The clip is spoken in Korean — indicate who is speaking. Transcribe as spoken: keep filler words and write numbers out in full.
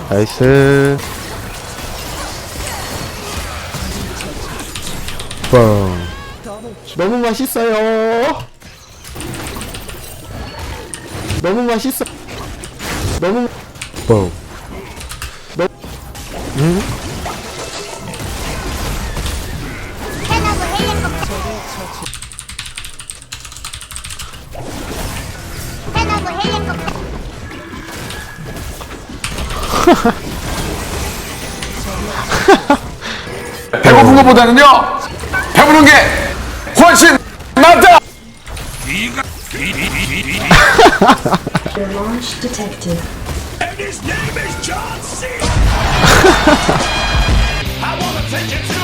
Speaker 1: 나이스. 뻥. 너무 맛있어요. 너무 맛있어. 너무 뻥. 너 응?
Speaker 2: 배고픈 것보다는요, 배부른 게 훨씬 낫다.
Speaker 3: Your launch detected.
Speaker 4: And his name is John C. I wanna take it to